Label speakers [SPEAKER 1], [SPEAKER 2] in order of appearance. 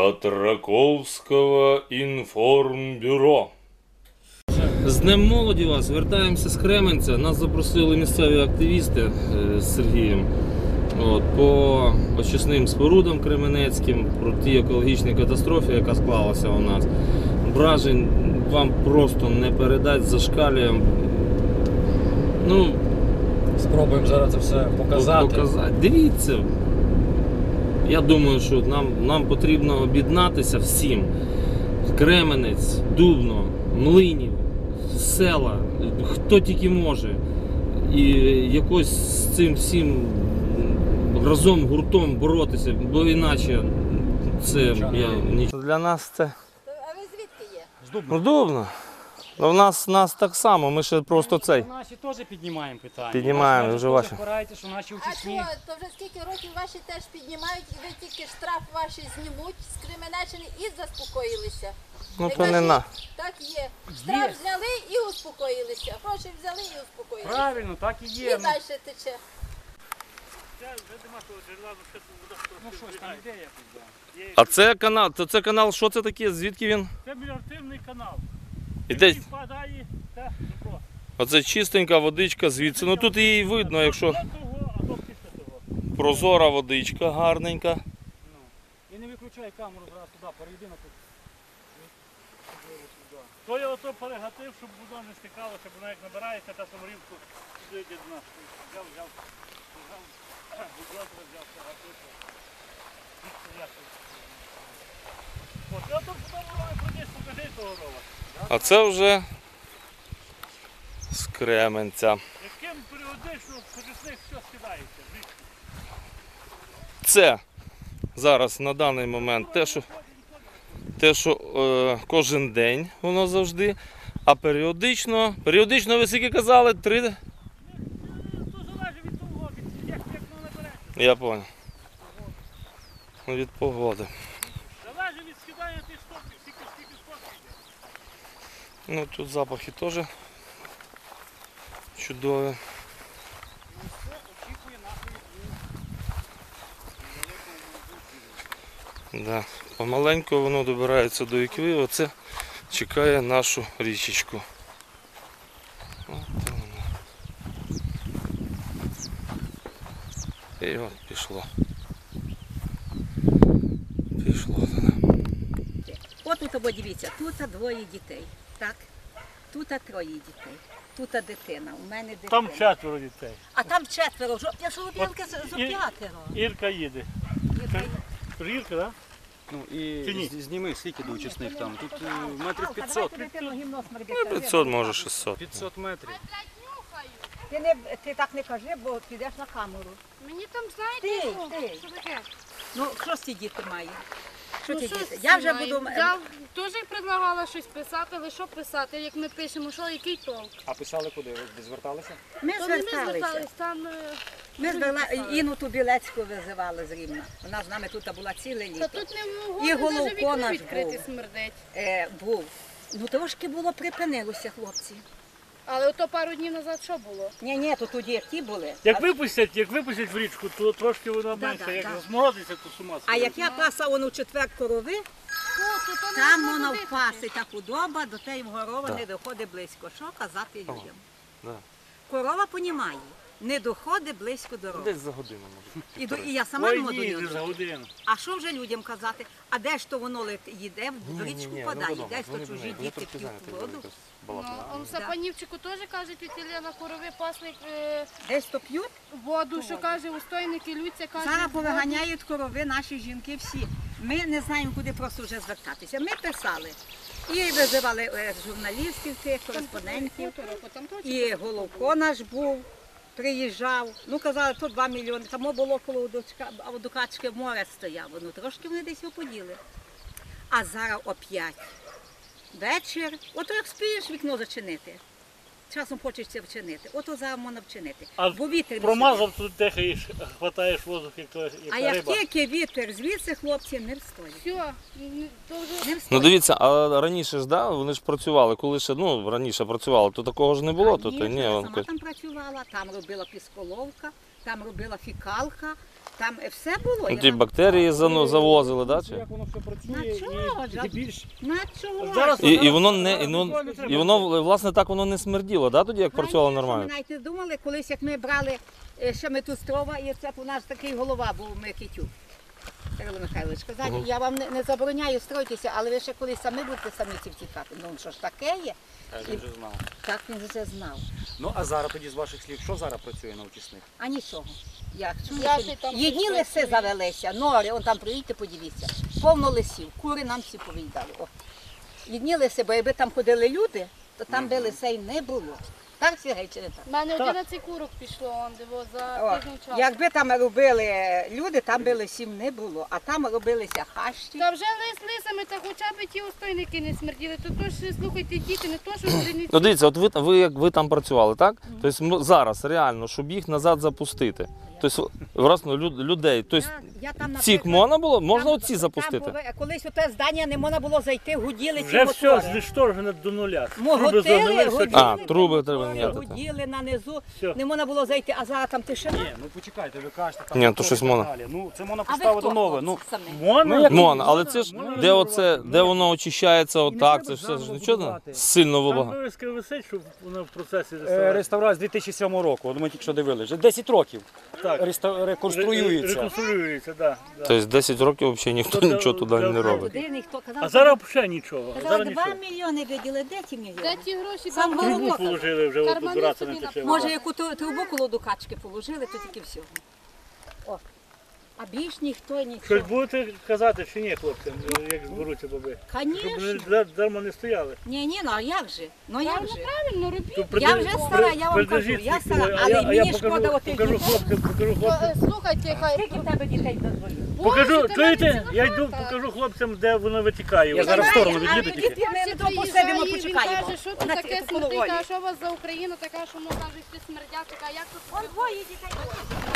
[SPEAKER 1] от Раковського інформбюро. З Днем молоді вас! Вертаємося з Кременця. Нас запросили місцеві активісти з Сергієм по очисним спорудам кременецьким, про ті екологічні катастрофи, яка склалася у нас. Вражень вам просто не передать, зашкалює.
[SPEAKER 2] Спробуємо зараз це все показати.
[SPEAKER 1] Дивіться, я думаю, що нам потрібно об'єднатися всім. Кременець, Дубно, Млинів, села, хто тільки може. І якось з цим всім разом, гуртом боротися, бо іначе це нічого. Для нас це...
[SPEAKER 3] А ви звідки є?
[SPEAKER 2] З Дубна.
[SPEAKER 1] Дубно. У нас так само, ми ще просто цей.
[SPEAKER 2] Наші теж піднімаємо питання.
[SPEAKER 1] Піднімаємо, вже ваші.
[SPEAKER 2] Впираєте, що наші
[SPEAKER 3] А
[SPEAKER 2] учасні.
[SPEAKER 3] що, то вже скільки років ваші теж піднімають, і ви тільки штраф ваші знімуть з Кременеччини і заспокоїлися?
[SPEAKER 1] Ну
[SPEAKER 3] Не
[SPEAKER 1] то не
[SPEAKER 3] кажіть,
[SPEAKER 1] на.
[SPEAKER 3] Так є. Штраф зняли і успокоїлися. Гроші взяли і успокоїлися.
[SPEAKER 2] Правильно, так і
[SPEAKER 3] І
[SPEAKER 2] є.
[SPEAKER 3] далі тече.
[SPEAKER 2] Ну щось там іде якось, да.
[SPEAKER 1] А це канал, канал, що це таке? Звідки він?
[SPEAKER 4] Це меліоративний канал.
[SPEAKER 1] Іде.
[SPEAKER 4] Який впадає, це Дніпро.
[SPEAKER 1] Оце чистенька водичка звідси. Ну тут її видно, якщо
[SPEAKER 4] До того, а то після того.
[SPEAKER 1] прозора водичка гарненька.
[SPEAKER 2] І не виключай камеру зараз туди, перейди на тут.
[SPEAKER 4] То я ото перегатив, щоб воно не стикало, щоб воно як набирається, та саморівку сюди йде до нас. Взяв, бульдозер взяв, перегатив. От, я тут потім рові проніс, покажи того рова.
[SPEAKER 1] А це вже з Кременця.
[SPEAKER 4] Яким періодично в очисних все скидається.
[SPEAKER 1] Це зараз на даний момент те, що кожен день воно завжди, а періодично ви скільки казали? 3?
[SPEAKER 4] То залежить від того, як воно набереться.
[SPEAKER 1] Я зрозумів. Від погоди.
[SPEAKER 4] Залежить від скидання тих стопів, скільки стопів йде.
[SPEAKER 1] Ну тут запахи теж чудові.
[SPEAKER 2] Очікує нашої
[SPEAKER 1] Да. Помаленьку воно добирається до Ікви, оце чекає нашу річечку. От воно. І от пішло. Пішло.
[SPEAKER 5] От тут, дивіться, тут двоє дітей, так? Тут троє дітей, тут дитина, у мене дитина.
[SPEAKER 4] Там 4 дітей.
[SPEAKER 5] А там четверо, я ж Луб'янка за п'ятеро.
[SPEAKER 4] Ірка їде. Ірка, так?
[SPEAKER 6] Ну
[SPEAKER 4] Чи
[SPEAKER 6] і
[SPEAKER 4] ні?
[SPEAKER 6] зніми, скільки до учасних там. Тут метрів 500.
[SPEAKER 1] Ну, 500, може 600.
[SPEAKER 6] 500 метрів.
[SPEAKER 5] Ти так не кажи, бо підеш на камеру.
[SPEAKER 7] Мені там, знаєте,
[SPEAKER 5] Ти.
[SPEAKER 7] що таке?
[SPEAKER 5] Ну, що ці діти мають? Що
[SPEAKER 7] Ну,
[SPEAKER 5] ці
[SPEAKER 7] що
[SPEAKER 5] діти? Я вже
[SPEAKER 7] знаю.
[SPEAKER 5] буду...
[SPEAKER 7] Я теж предлагала щось писати, але що писати, як ми пишемо, що, який толк?
[SPEAKER 6] А писали куди? Ви десь зверталися?
[SPEAKER 5] Ми
[SPEAKER 7] То не ми
[SPEAKER 5] зверталися.
[SPEAKER 7] звертались, там...
[SPEAKER 5] Ми
[SPEAKER 7] другі писали.
[SPEAKER 5] Інну Тубілецьку визивали з Рівна. Вона з нами тут була ціле
[SPEAKER 7] Та
[SPEAKER 5] літо.
[SPEAKER 7] тут не
[SPEAKER 5] І
[SPEAKER 7] могли
[SPEAKER 5] Головко
[SPEAKER 7] навіть вікно
[SPEAKER 5] наш
[SPEAKER 7] відкрити
[SPEAKER 5] був.
[SPEAKER 7] смердить.
[SPEAKER 5] Був. Ну трошки було припинилося, хлопці.
[SPEAKER 7] Але ото пару днів назад що було?
[SPEAKER 5] Ні, то тоді як ті були.
[SPEAKER 4] Як випустять в річку, то трошки вона
[SPEAKER 5] Да,
[SPEAKER 4] менше.
[SPEAKER 5] да,
[SPEAKER 4] Як
[SPEAKER 5] да.
[SPEAKER 4] розморозиться, то з ума
[SPEAKER 5] А
[SPEAKER 4] сходить.
[SPEAKER 5] як я паса воно в четвер корови,
[SPEAKER 7] То
[SPEAKER 5] там
[SPEAKER 7] не
[SPEAKER 5] воно
[SPEAKER 7] туди
[SPEAKER 5] впаси та худоба, до тієї горова не доходить близько. Що казати людям?
[SPEAKER 1] Да.
[SPEAKER 5] Корова понімає, не доходить близько до рови.
[SPEAKER 1] Десь за годину може.
[SPEAKER 5] І я сама не
[SPEAKER 4] Ой,
[SPEAKER 5] можу
[SPEAKER 4] ні,
[SPEAKER 5] до
[SPEAKER 4] не за
[SPEAKER 5] нього.
[SPEAKER 4] годину.
[SPEAKER 5] А що вже людям казати? А де ж то воно їде, в річку падає, десь то чужі діти п'ють воду.
[SPEAKER 7] Ну, он в Сапанівчику теж кажуть, тітя на корови пасли
[SPEAKER 5] Десь то п'ють.
[SPEAKER 7] воду, що каже, устойники лються, каже.
[SPEAKER 5] Зараз
[SPEAKER 7] воду.
[SPEAKER 5] повиганяють корови наші жінки всі. Ми не знаємо, куди просто вже звертатися. Ми писали. І визивали журналістів, тих, кореспондентів.
[SPEAKER 7] Там точно.
[SPEAKER 5] І Головко наш був, приїжджав. Ну, казали, то 2 мільйони. Там було коло Дукачки море стояло. Ну, трошки вони десь оподіли. А зараз оп'ять. Вечір. Ото як спієш вікно зачинити. Часом хочеться вчинити. Ото зараз можна вчинити.
[SPEAKER 4] А
[SPEAKER 5] Бо вітер не
[SPEAKER 4] промазав, тут дихаєш, хватаєш воздух, як
[SPEAKER 5] А як
[SPEAKER 4] риба.
[SPEAKER 5] тільки вітер звідси, хлопці не встоять.
[SPEAKER 7] Все, то вже...
[SPEAKER 5] Не
[SPEAKER 1] Ну
[SPEAKER 5] встоять.
[SPEAKER 1] дивіться, а раніше ж, да, вони ж працювали, коли ще, раніше працювали, то такого ж не було, то
[SPEAKER 5] Ні,
[SPEAKER 1] ні,
[SPEAKER 5] я
[SPEAKER 1] вон
[SPEAKER 5] сама там працювала, там робила пісколовка, там робила фікалка, Там все було.
[SPEAKER 1] Ну, ті бактерії завозили, да? Чи?
[SPEAKER 6] Як воно все
[SPEAKER 5] На
[SPEAKER 6] працює
[SPEAKER 5] чого ж?
[SPEAKER 6] і більш
[SPEAKER 5] На чого?
[SPEAKER 4] Зараз-
[SPEAKER 1] І воно, власне, так воно не смерділо, да, тоді, як працювало
[SPEAKER 5] Раніше
[SPEAKER 1] нормально?
[SPEAKER 5] Ми навіть не думали, колись як ми брали ще метустрова, і це у нас такий голова був Микитюк. Кирило Михайлович, казати, я вам не забороняю строїтися, але ви ще колись самі будете самі втікати. Ну що ж таке є?
[SPEAKER 6] він вже знав.
[SPEAKER 5] Так він вже знав.
[SPEAKER 6] Ну а зараз тоді з ваших слів, що зараз працює на очисних?
[SPEAKER 5] А нічого. Як?
[SPEAKER 7] Я ще там
[SPEAKER 5] Єдні лиси завелися, нори, он там приїдьте, подивіться. Повно лисів, кури нам всі повиїдали. О. Єдні лиси, бо якби там ходили люди, то там би лисей не було. Так, Сергій, чи не так?
[SPEAKER 7] У мене 11 курок пішло, он диво, за
[SPEAKER 5] О,
[SPEAKER 7] тиждень часу.
[SPEAKER 5] якби там робили люди, там би лисів не було, а там робилися хащі.
[SPEAKER 7] Та вже лисами, та хоча б ті устойники не смерділи, то ж, слухайте, діти, не то, що зрівні.
[SPEAKER 1] Ну, дивіться, от ви там працювали, так? Тобто зараз реально, щоб їх назад запустити. Тобто, власне, людей. Тобто,
[SPEAKER 5] Я там,
[SPEAKER 1] цих можна було? Можна оці запустити?
[SPEAKER 5] Колись у те здання не можна було зайти, гуділи ці
[SPEAKER 4] Вже все
[SPEAKER 5] мотори.
[SPEAKER 4] знешторжено до нуля.
[SPEAKER 5] Готили,
[SPEAKER 4] Труби
[SPEAKER 5] гуділи,
[SPEAKER 1] А, труби треба
[SPEAKER 5] мотори,
[SPEAKER 1] міняти.
[SPEAKER 5] гуділи нанизу,
[SPEAKER 4] Все.
[SPEAKER 5] не можна було зайти, а зараз там тишина.
[SPEAKER 6] Ні, ну почекайте, ви кажете, там
[SPEAKER 1] Ні, то
[SPEAKER 6] мотори
[SPEAKER 1] щось
[SPEAKER 6] і так
[SPEAKER 1] можна.
[SPEAKER 6] далі. Ну це можна
[SPEAKER 5] А ви
[SPEAKER 6] поставити
[SPEAKER 5] хто?
[SPEAKER 6] нове. Ну
[SPEAKER 5] самі?
[SPEAKER 4] Можна?
[SPEAKER 1] Можна, але це ж, де воно очищається отак, це ж все ж нічого сильно
[SPEAKER 4] Там
[SPEAKER 1] вибагато.
[SPEAKER 4] вивіска висить, щоб вона в процесі реставрації.
[SPEAKER 6] реставрація з 2007 року. От ми тільки що дивилися. Вже 10 років
[SPEAKER 4] Так.
[SPEAKER 6] реконструюється.
[SPEAKER 4] Реконструюється, так. Да.
[SPEAKER 1] Тобто 10 років взагалі ніхто
[SPEAKER 4] Тобто,
[SPEAKER 1] нічого туди не
[SPEAKER 5] А
[SPEAKER 1] робить.
[SPEAKER 5] туди ніхто казав,
[SPEAKER 4] А зараз взагалі нічого.
[SPEAKER 5] казали,
[SPEAKER 4] Зараз
[SPEAKER 5] 2
[SPEAKER 4] нічого.
[SPEAKER 5] мільйони виділи, де ті
[SPEAKER 7] Де
[SPEAKER 5] мільйони?
[SPEAKER 7] ті гроші?
[SPEAKER 5] Сам
[SPEAKER 7] там
[SPEAKER 5] голову
[SPEAKER 4] Трубу
[SPEAKER 5] казав.
[SPEAKER 4] положили вже,
[SPEAKER 7] Кармани
[SPEAKER 4] обирати
[SPEAKER 7] собі
[SPEAKER 4] не тече.
[SPEAKER 5] Може, яку трубу коло дукачки положили, то тільки всього. О. А більш ніхто
[SPEAKER 4] Щось
[SPEAKER 5] нічого.
[SPEAKER 4] будете казати чи ні, хлопцям, як зберуться баби? Щоб
[SPEAKER 5] Звісно.
[SPEAKER 4] вони дарма не стояли.
[SPEAKER 5] Ні, ну а як же? Ну як же?
[SPEAKER 7] Правильно, робіть.
[SPEAKER 5] Я вже стара, я вам кажу, я стара, але мені шкода отих
[SPEAKER 4] покажу
[SPEAKER 5] дітей.
[SPEAKER 4] хлопцям, покажу хлопцям.
[SPEAKER 7] Слухайте, хай.
[SPEAKER 5] Скільки в тебе дітей дозволів?
[SPEAKER 4] Покажу,
[SPEAKER 7] Боже,
[SPEAKER 4] чуєте,
[SPEAKER 7] ти
[SPEAKER 4] я
[SPEAKER 7] мене
[SPEAKER 4] йду,
[SPEAKER 7] ціла
[SPEAKER 4] покажу хлопцям, де воно витікає.
[SPEAKER 6] Я зараз в сторону
[SPEAKER 5] А
[SPEAKER 6] від'їду тільки.
[SPEAKER 5] діти, ми то посидимо,
[SPEAKER 7] приїжджає, він
[SPEAKER 5] почекаємо.
[SPEAKER 7] каже, що тут
[SPEAKER 5] На
[SPEAKER 7] таке
[SPEAKER 5] коло
[SPEAKER 7] смердить,
[SPEAKER 5] волі.
[SPEAKER 7] а що у вас за Україна така, що ну там же всі смердять, така, як тут?
[SPEAKER 5] Вон двоє дітей.